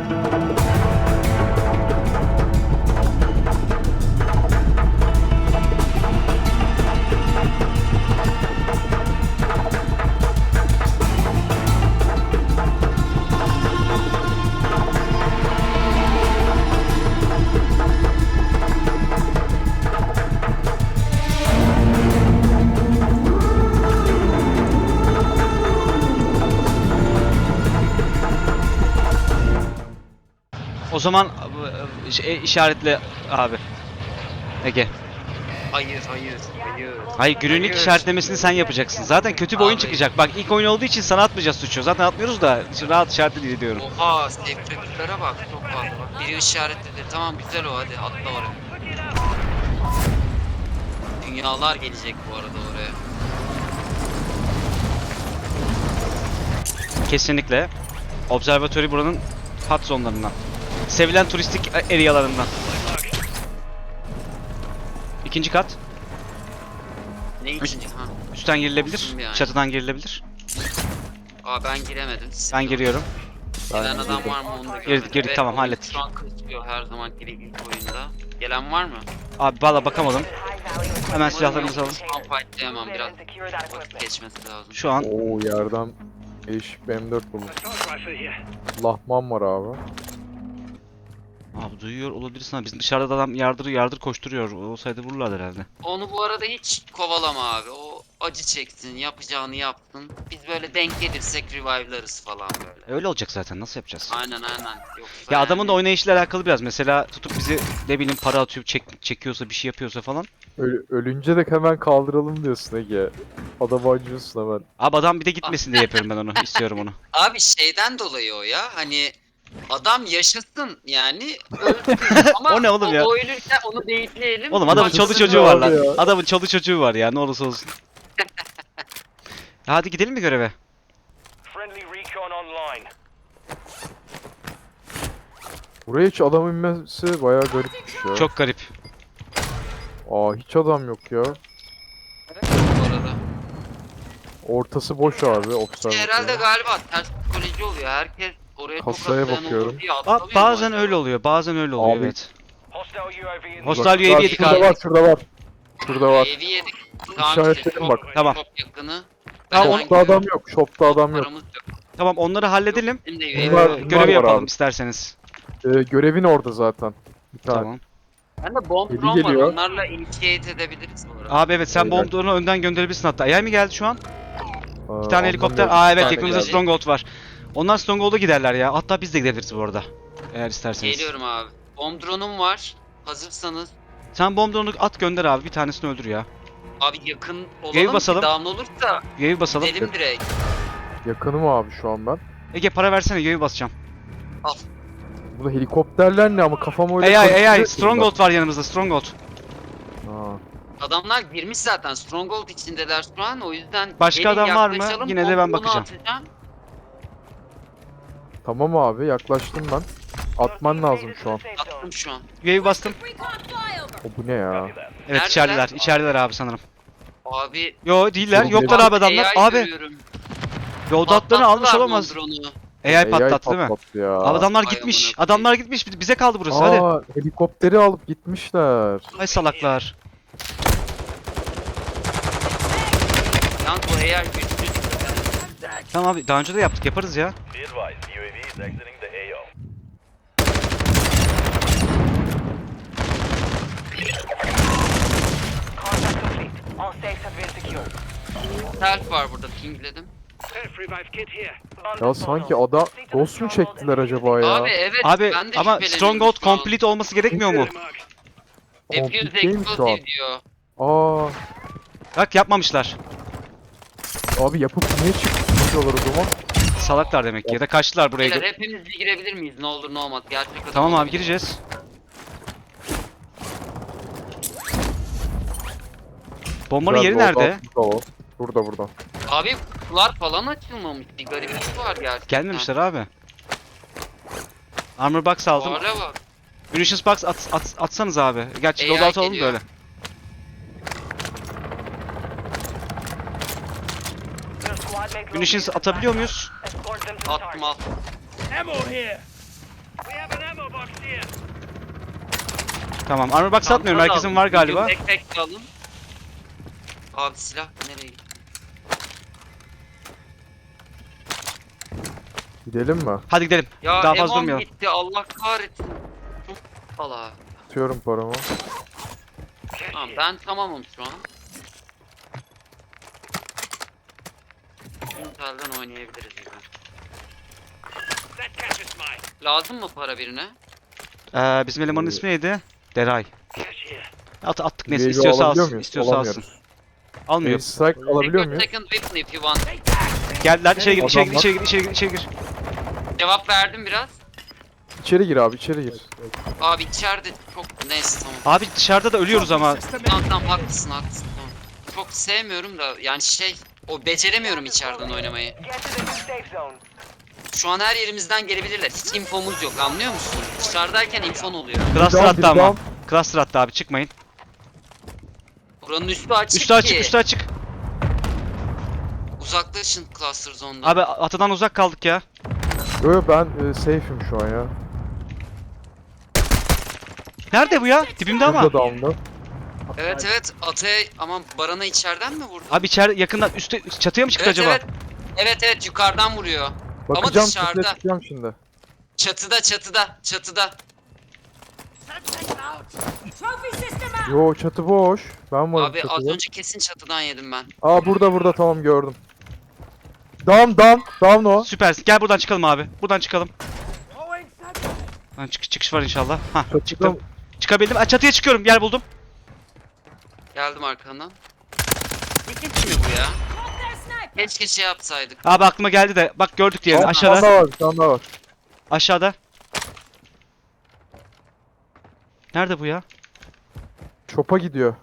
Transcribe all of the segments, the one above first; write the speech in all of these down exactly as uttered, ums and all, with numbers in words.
O zaman şey, işaretle abi. Ege. Hayır hayır hayır. Hayır, günlük işaretlemesini sen yapacaksın. Zaten kötü bir oyun Abi. çıkacak. Bak, ilk oyun olduğu için sana atmayacağız suçu. Zaten atmıyoruz da rahat işaretle diyorum. Oha sevkiyatlara bak çok fazla bak. Biri işaretledi. Tamam güzel o, hadi atla oraya. Dünyalar gelecek bu arada oraya. Kesinlikle. Observatory buranın hot zonlarından. Sevilen turistik arealarından. İkinci kat. Ne ikinci ha? Üstten girilebilir. Olsun yani. Çatıdan girilebilir. Aa ben giremedim. Ben giriyorum. Gelen adam var mı onu da Girdik, görmedim. girdik, Ve tamam, oyun hallettik. Şu an kısıyor her zaman gibi ilk oyunda. Gelen var mı? Abi valla bakamadım. Hemen silahlarımızı alalım. Şu an fightlayamam, biraz vakit geçmesi lazım. Şu an Oo yerden değişik bir M dört buldum. Lahman var abi. abi duyuyor olabilirsin ama bizim dışarıda da adam yardır yardır koşturuyor. Olsaydı vururlardı herhalde. Onu bu arada hiç kovalama abi. O acı çeksin, yapacağını yapsın. Biz böyle denk gelirsek revive'larız falan böyle. Öyle olacak zaten, nasıl yapacağız? Aynen aynen. Yoksa Ya adamın yani- da oynayışıyla alakalı biraz. Mesela tutup bizi ne bileyim para atıyor, çek, çekiyorsa, bir şey yapıyorsa falan. Öl- ölünce de hemen kaldıralım diyorsun Ege. Adamı acıyorsun hemen. Abi adam bir de gitmesin diye yapıyorum ben onu. İstiyorum onu. Abi şeyden dolayı o ya. Hani adam yaşasın yani ölsün. Ama O ne oğlum ya? O ölürken onu beyitleyelim. Oğlum adamın Yaşasın çoluk çocuğu var abi lan. ya. Adamın çoluk çocuğu var ya, ne olursa olsun. Hadi gidelim mi göreve? Friendly recon online. Buraya hiç adam inmesi bayağı garipmiş ya. Çok garip. Aa hiç adam yok ya. Bu arada. Ortası boş abi. Observatuar. Herhalde galiba ters psikoloji oluyor. Herkes oraya çok Kasaya atlayan bakıyorum. olur diye Aa, atlamıyor mu bazen acaba? öyle oluyor, bazen öyle oluyor, Abi. evet. Hostile U A V in Hostile Bak, U A V bak, yedik şurada abi. var, şurada var. Şurada var. Evi yedik. Tamam İşaretledim işte, bak. çok- Tamam. Çok yakını. Tamam, Shop'ta adam yok. Shop'ta adam yok. Paramız yok. Tamam, onları halledelim. Bizim de Ee, Bunlar- U A V. bunlar görevi var yapalım abi. isterseniz. Ee, görevin orada zaten. Bir tane. Tamam. Ben de bomb Biri drone var. geliyor. Onlarla initiate edebiliriz bu arada. Abi evet, sen Beyler. bombdurunu önden gönderebilirsin hatta. A I mi geldi şu an? Aa, Bir tane helikopter. ondan Aa bir evet, tane yakınımızda geldi. Stronghold var. Onlar Stronghold'a giderler ya. Hatta biz de gidebiliriz bu arada. Eğer isterseniz. Geliyorum abi. Bomb drone'um var. Hazırsanız. Sen bombdurunu at gönder abi. Bir tanesini öldür ya. Abi yakın Yayı olalım basalım. ki down olursa Yayı basalım. gidelim direkt. Yakınım abi şu an ben. Ege para versene, yayı basacağım. Burada helikopterler ne ama kafam öyle A I A I karıştırıyor ki Stronghold var yanımızda, Stronghold. bunlar. Aa, Adamlar girmiş zaten. Stronghold içindeler şu an. O yüzden Başka gelin adam var mı? yaklaşalım, Yine de ben bomb drone'u bakacağım. atacağım. tamam abi yaklaştım ben. Atman lazım şu an. Attım şu an. Yayı bastım. O bu ne ya? Copy that. Evet, Neredeler? içerideler. İçerideler abi sanırım. Abi Yo değiller. Sorun Yoklar değil. abi adamlar. A I Abi görüyorum. yolda atlarını almış Patlattılar olamaz. bomb drone'u. A I patlattı değil mi? patlattı ya. Abi adamlar Ay gitmiş. amına Adamlar gitmiş. Bize kaldı burası. Hadi. Aa, helikopteri alıp gitmişler. Ay salaklar. Yalnız bu A I güçlü. Tamam abi, daha önce de yaptık. Yaparız ya. Be advised, U A V is exiting the A O. Contract complete. All safes have been secured. Self var burada, pingledim. Self revive kit here. Ya sanki ada Ghost mu çektiler acaba ya? Abi evet Abi ben de ama şüpheleniyorum Stronghold şu an. complete olması gerekmiyor mu? Mark. Defuse Complete değil mi şu an? explosive diyor. Aa, Bak yapmamışlar. abi yapıp niye çıkıyorlar o zaman? Salaklar demek ki. Ya da kaçtılar buraya. Beyler hepimiz bir girebilir miyiz? Ne olur ne olmaz. Gerçek adam Tamam abi, olabilir. gireceğiz. Bombanın Güzel, yeri orada nerede? aslında o. Burada burada. Abi kutular falan açılmamış. Bir gariplik var gerçekten. Gelmemişler abi. Armor box aldım. Fuara bak. Munitions box at, at, atsanız abi. Gerçi A I loadout alalım geliyor. böyle. Your squad mate Munitions located the atabiliyor backup. muyuz? Escort them to the Attım target. al. Ammo here. Tamam. Armor box satmıyorum. Çanta da Herkesin alın. var galiba. Backpack de alın. Abi silah nereye gitti? Gidelim mi? Hadi gidelim. Ya Daha fazla Evan durmayalım. gitti Allah kahretsin. Allah. Atıyorum paramı. Tamam ben tamamım şu an. Intel'den oynayabiliriz gibi. That cash is mine. Lazım mı para birine? Ee, bizim elemanın ismi neydi? Deray. Cash here. At attık neyse. U A V İstiyorsa alabiliyor alsın. muyuz? İstiyorsa alsın. Alamıyoruz. Almıyor. Ace strike alabiliyor Take your muyuz? second weapon if you want. Geldiler. İçeri gir, içeri gir, Adamlar- içeri gir, içeri gir, içeri gir. Cevap verdim biraz. İçeri gir abi, içeri gir. Abi içeride çok neyse tamam. Abi dışarıda da ölüyoruz ama. Tamam tamam haklısın haklısın tamam. Çok sevmiyorum da yani şey o beceremiyorum içeriden oynamayı. Get to the new safe zone. Şu an her yerimizden gelebilirler. Hiç infomuz yok anlıyor musun? Dışarıdayken infon oluyor. Cluster down, attı biri ama. down. Cluster attı abi çıkmayın. Buranın üstü açık Üstü açık, ki. üstü açık. Uzaklaşın cluster zone'dan. Abi atadan uzak kaldık ya. Yo yo, ben e, safe'im şu an ya. Nerede bu ya? Dibimde ama. Burada down'da. Evet evet Atay'a ama Baran'a içeriden mi vurdu? Abi içeri yakından üstte çatıya mı çıktı Evet acaba? evet. Evet evet yukarıdan vuruyor. Bakacağım, dışarıda. çatıya çıkacağım şimdi. Çatıda çatıda çatıda. Trophy system out. Yo, çatı boş. Ben varım Abi az çatıda. önce kesin çatıdan yedim ben. Aa burada burada, tamam gördüm. Down down down o. Süpersin. Gel buradan çıkalım abi. Buradan çıkalım. Lan çık çıkış var inşallah. Hah Çatıda çıktım. Çıkabildim. Aa, çatıya çıkıyorum. Yer buldum. Geldim arkandan. Ne geçmiyor bu ya? Their sniper. Keşke şey yapsaydık. Abi aklıma geldi de. Bak gördük diğerini. Aa, bir tane Aşağıda. daha var, bir tane daha var. Aşağıda. Nerede bu ya? Şopa gidiyor.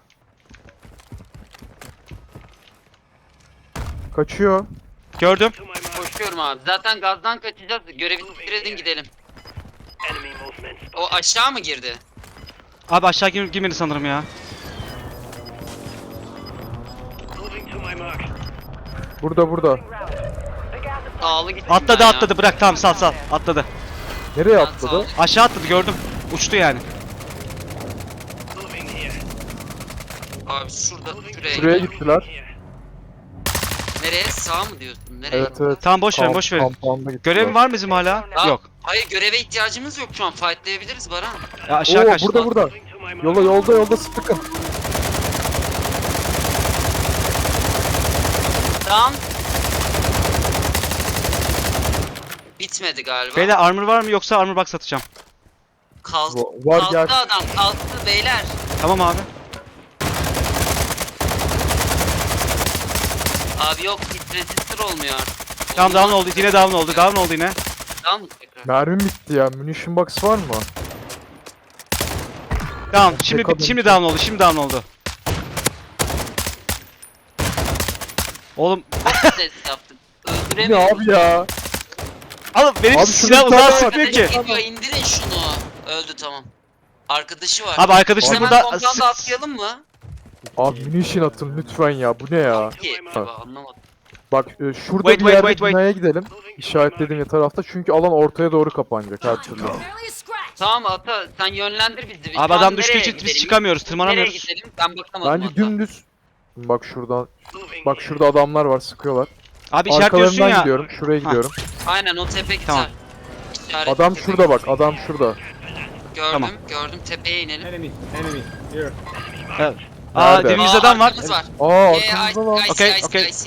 Kaçıyor. Gördüm. To my mark. Koşuyorum abi. Zaten gazdan kaçacağız. Görevi bitirdin gidelim. Enemy movement. O aşağı mı girdi? Abi aşağı gir girmedi sanırım ya. Moving to my mark. Burada burada. The gas is Sağlı gittim Atladı ben ya. atladı. Bırak tamam sal sal. Atladı. Nereye Ben atladı? sağ- Aşağı atladı gördüm. Uçtu yani. Moving here. Abi şurada şuraya. Şuraya gidelim. gittiler. Here. Nereye? Sağ mı diyorsun? Nereye? Evet evet. Tamam boş verin Kamp- boş verin. kampanda gittiler. Görevim var mı bizim hala? Ya, Yok. Hayır göreve ihtiyacımız yok şu an. Fightlayabiliriz Baran. Ya aşağı Oo, kaçtı. burada burada. Moving to my mark. Yola yolda yolda sıkın. Tamam. Bitmedi galiba. Beyler armor var mı yoksa armor box satacağım. Kalk, Va- var, kalktı gel. adam. Kalktı beyler. Tamam abi. Abi yok hit resistor olmuyor artık. Tamam down oldu. Yine down oldu. Down oldu yine. Down mı tekrar? Mermim bitti ya. Munition box var mı? Tamam. Şimdi Bakalım. şimdi down oldu. Şimdi down oldu. Oğlum Ses yaptık. Ne Öldüremiyorum. abi ya? alın benim Abi silah şurada bir uzağa tane var. sıkmıyor ki. Geliyor, indirin şunu. Öldü tamam. Arkadaşı var. Abi arkadaşını Hemen burada kompanda sık- atlayalım mı? Abi munition atın lütfen ya. Bu ne ya? Ki, Ha. Abi, anlamadım. Bak e, şurada Wait, bir wait, yerde wait, wait. binaya gidelim. İşaretlediğim tarafta. Çünkü alan ortaya doğru kapanacak her türlü. barely a scratch. Tamam Ata sen yönlendir bizi. Şu Abi an adam düştüğü nereye için biz gidelim? çıkamıyoruz. Nereye Tırmanamıyoruz. gidelim? Ben bakamadım Bence Ata. dümdüz. Bak şuradan. Moving Bak here. şurada adamlar var, sıkıyorlar. Abi işaretliyorsun Arkalarından ya. gidiyorum. Şuraya Ha. gidiyorum. Aynen o tepe güzel. Tamam. İşaret Adam tepe. şurada bak. Adam şurada. Gördüm Tamam. gördüm tepeye inelim. Evet. Aa Nerede? dibimizde adam var. arkamız var. Aa Ee, I, arkamızda lan. I see, Okey, I see, okey. I see.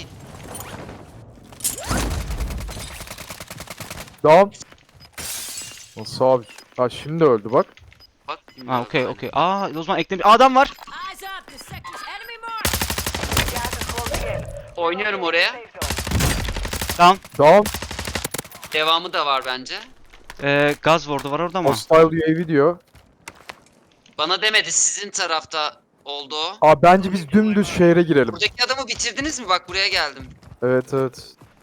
Down. Nasıl abi? Ha şimdi öldü bak. Bak. Ha okey okey. Aa o zaman eklemiş. Aa, adam var. Eyes up. The sector's enemy mark. The gas is closing in. Oynuyorum oraya. Safe zone. Down. Down. Devamı da var bence. Ee, gaz ward'u var orada ama. Hostile U A V diyor. Bana demedi sizin tarafta oldu o. Aa bence biz dümdüz şehre girelim. Buradaki adamı bitirdiniz mi? Bak buraya geldim. Evet evet.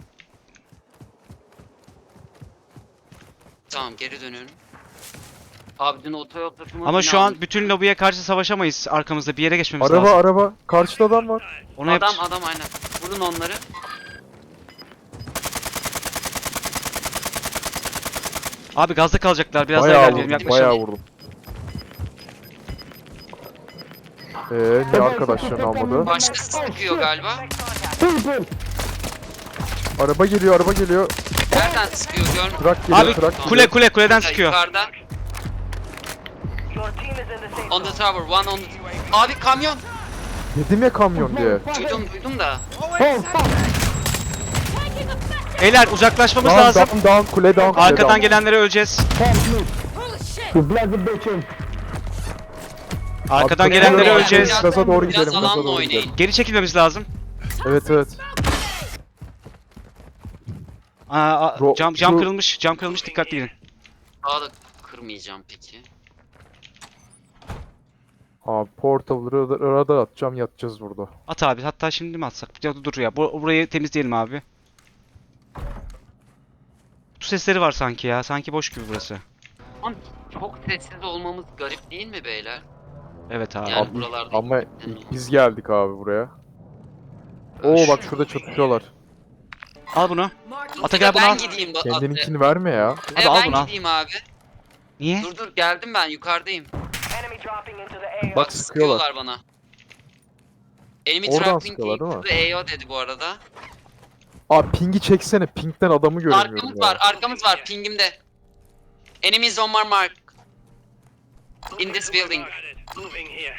Tamam geri dönüyorum. Abi dün otoyol takımı Ama beni şu an aldı. bütün lobiye karşı savaşamayız. Arkamızda bir yere geçmemiz Araba lazım. araba. Karşıda adam var. Onu Adam yap. adam aynen. Vurun onları. Abi gazda kalacaklar. Biraz daha Bayağı ilerleyelim. vurdum. Yaklaşalım. Bayağı vurdum. Eee niye arkadaşlarını almadı? Başkası sıkıyor galiba. Araba geliyor, araba geliyor. Nereden sıkıyor görmüyorum. Trak geliyor, Abi trak kule kule kuleden sıkıyor. Yukarıda. Your team is in the safe On the zone. tower, one on the... Abi kamyon. Dedim ya kamyon diye. Duydum duydum da. Taking effect. Beyler uzaklaşmamız Down, lazım. down, down, kule down, kule Arkadan down. gelenlere öleceğiz. Holy shit. Arkadan Abi, gelenlere biraz- öleceğiz. Gaza doğru Biraz gidelim, gaza alanla doğru oynayın. gidelim. Geri çekilmemiz lazım. Evet, evet. Aa, aa, Ro- cam cam şu- kırılmış. Cam kırılmış, dikkatli gidin. Daha da kırmayacağım peki. Abi portalları radar atacağım, yatacağız burada. At abi. Hatta şimdi mi atsak? Ya dur ya. Bu, burayı temizleyelim abi. Kutu sesleri var sanki ya. Sanki boş gibi burası. Ama çok sessiz olmamız garip değil mi beyler? Evet abi. Yani Abi, buralarda Ama gittikten ilk biz geldik abi buraya. Ben Oo şu- bak şurada çatışıyorlar. Al bunu. Marking Ata gel bunu al. Ben gideyim. ba- Kendininkini verme ya. At- Hadi E, al ben bunu al. gideyim abi. Niye? Dur dur geldim ben yukarıdayım. enemy dropping into the A O. Bak sıkıyorlar. Sıkıyorlar bana. Enemy Oradan trapping sıkıyorlar, değil mi? into the A O dedi bu arada. Abi pingi çeksene. Ping'den adamı göremiyorum Arkamız ya. var, arkamız var pingimde. Enemies on my mark. In this building. Moving here.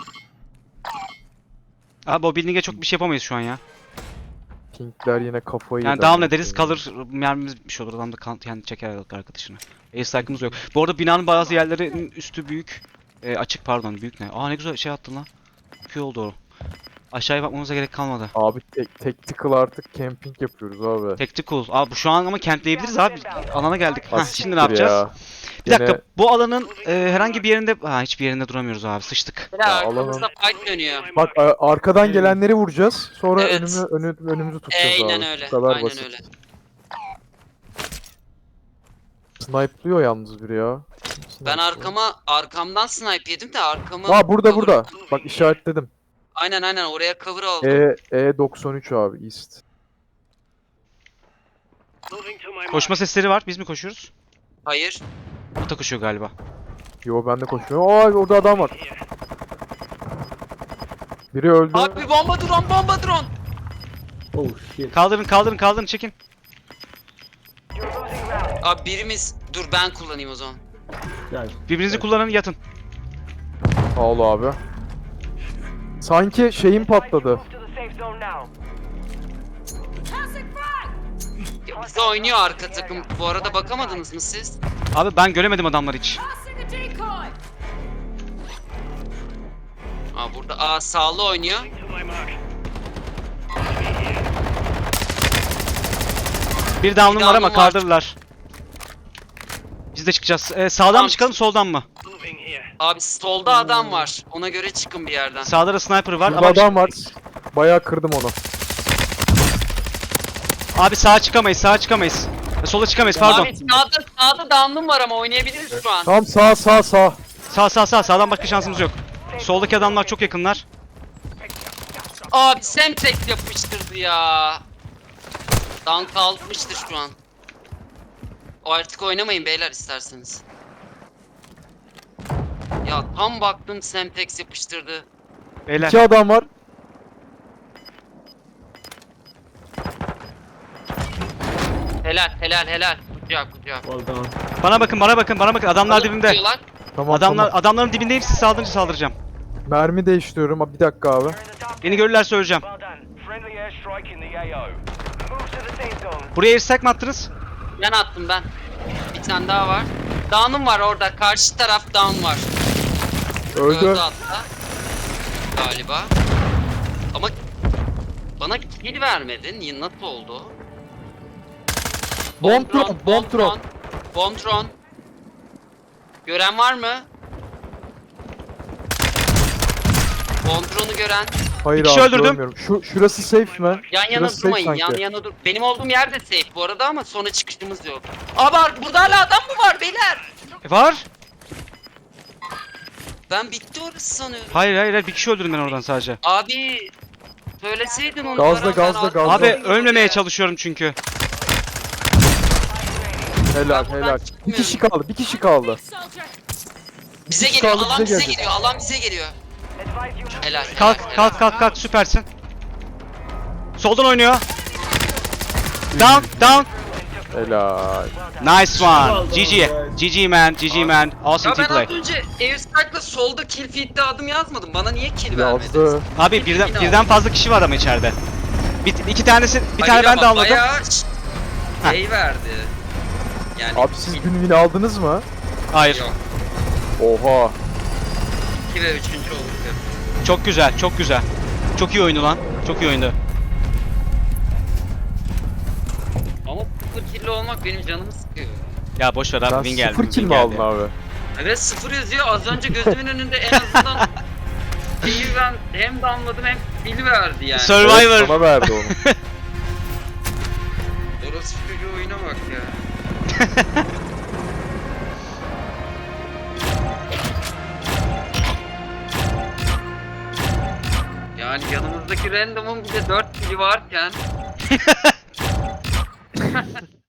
Abi o building'e çok bir şey yapamayız şu an ya. Pingler yine kafayı Yani yedi. down ederiz, kalır, mermimiz bitmiş olur. Adam da kan, yani çeker arkadaşını. Ace strike'ımız yok. Bu arada binanın bazı yerlerinin üstü büyük. E, açık pardon, büyük ne? Aa ne güzel şey attın lan. Köy oldu o. Aşağıya bakmamıza gerek kalmadı. Abi tek, tactical artık camping yapıyoruz abi. Tactical. Abi bu şu an ama campleyebiliriz abi. Alana geldik. Hah, Asiktir şimdi ne yapacağız? ya. Bir dakika. Gene- Bu alanın e, herhangi bir yerinde... Ha hiçbir yerinde duramıyoruz abi. Sıçtık. Bir de Ya, arkamızda fight dönüyor. Bak a- arkadan gelenleri vuracağız. Sonra Evet. önümü önü, önümüzü tutacağız Aynen abi. öyle. Bu kadar Aynen basit. öyle. Snipe'lıyor yalnız biri ya. Ben Snipe'lıyor. arkama arkamdan snipe yedim de arkamı Aa burada cover- burada. Bak işaretledim. Aynen aynen oraya cover aldım. E E doksan üç abi East. Moving to my mark. Koşma sesleri var. Biz mi koşuyoruz? Hayır. Ata koşuyor galiba. Yo ben de koşuyorum. Aa orada adam var. Here. Biri öldü. Abi bomba drone bomba drone. Kaldırın kaldırın kaldırın çekin. You're losing ground. Abi birimiz dur ben kullanayım o zaman. Birbirinizi kullanın, yatın. Sağ ol abi. Sanki şeyim patladı. Move to the safe zone now. Toxic frag. Ya bize oynuyor arka takım. Bu arada bakamadınız mı siz? Abi ben göremedim adamları hiç. Tossing a decoy. Aa burada aa sağlı oynuyor. Moving to my mark. Bir down'um var down'um ama var. kaldırırlar. Biz de çıkacağız. Ee, sağdan Tamam. mı çıkalım, soldan mı? Moving here. Abi solda adam var. Ona göre çıkın bir yerden. Sağda da sniper var Burada ama adam var. Bayağı kırdım onu. abi sağa çıkamayız, sağa çıkamayız. E, sola çıkamayız, pardon. Abi sağda sağda down'um var ama oynayabiliriz şu an. Tam sağ sağ sağ. Sağ sağ sağ, sağdan başka şansımız yok. Soldaki adamlar çok yakınlar. Abi Semtex yapıştırdı ya. Down kalmıştır şu an. O artık oynamayın beyler isterseniz. Ya tam baktım Semtex yapıştırdı. Beyler. İki adam var. Helal helal helal. Kucak kucak. Bana bakın, bana bakın, bana bakın. Adamlar Oğlum dibimde. tutuyorlar. Tamam Adamlar tamam. adamların dibindeyim, siz saldırınca saldıracağım. Mermi değiştiriyorum. Abi bir dakika abi. You're in the top Beni görürlerse öleceğim. Well done. Friendly airstrike in the A O. Move to the safe zone. Buraya airstrike mi attınız? Ben attım ben. Bir tane daha var. Down'um var orada. Karşı taraf down var. Öldü. Öldü hatta. Galiba. Ama bana kill vermedin. Niye nasıl oldu? Bomb drone, bomb drone. Bomb drone. Gören var mı? Bomb drone'u gören. Hayır Bir kişi abi öldürdüm. görmüyorum. Şu, şurası safe mi? Yan yana Şurası safe durmayın. sanki. Yan yana dur. Benim olduğum yer de safe bu arada ama sonra çıkışımız yok. Abi ar- burada hala adam mı var beyler? E, var. Ben bitti orası sanıyorum. Hayır hayır hayır, bir kişi öldürdüm ben oradan sadece. Abi söyleseydin onu. Gazla, Baran, gazla, ben gazla. Abi arkadayım ölmemeye ya. çalışıyorum çünkü. Helal Ben buradan helal. Bir çıkmıyorum. kişi kaldı. Bir kişi kaldı. Soldier. Bize Üç geliyor. kaldı, Alan bize bize geldi. geliyor. Alan bize geliyor. Advise advise you move. Helal. helal, Kalk helal. kalk kalk kalk süpersin. Soldan oynuyor. Down down. Helal. Nice one. G G. G G man. G G man. Awesome Ya team ben az play. önce Airstrike'la solda kill feed'de adım yazmadım. Bana niye kill vermedin? Yazdı. Abi birden birden fazla kişi var ama içeride. Bir, iki tanesi bir Hayır tane ben ama de anladım. bayağı ş- şey verdi. Yani Abi siz gün win aldınız mı? Hayır. Yok. Oha. iki ve üçüncü olduk. hep. Çok güzel, çok güzel. Çok iyi oyundu lan. Çok iyi oyundu. Ama sıfır kill'li olmak benim canımı sıkıyor. Ya boş ver abi Sen win geldi. sıfır win kill mi geldi. aldın abi? Evet sıfır yazıyor. Az önce gözümün önünde en azından şeyi ben hem damladım hem kill verdi yani. Survivor. Evet, sana verdi onu. Orası çocuğu oyuna bak ya. Yani yanımızdaki random'ın bir de dört kili varken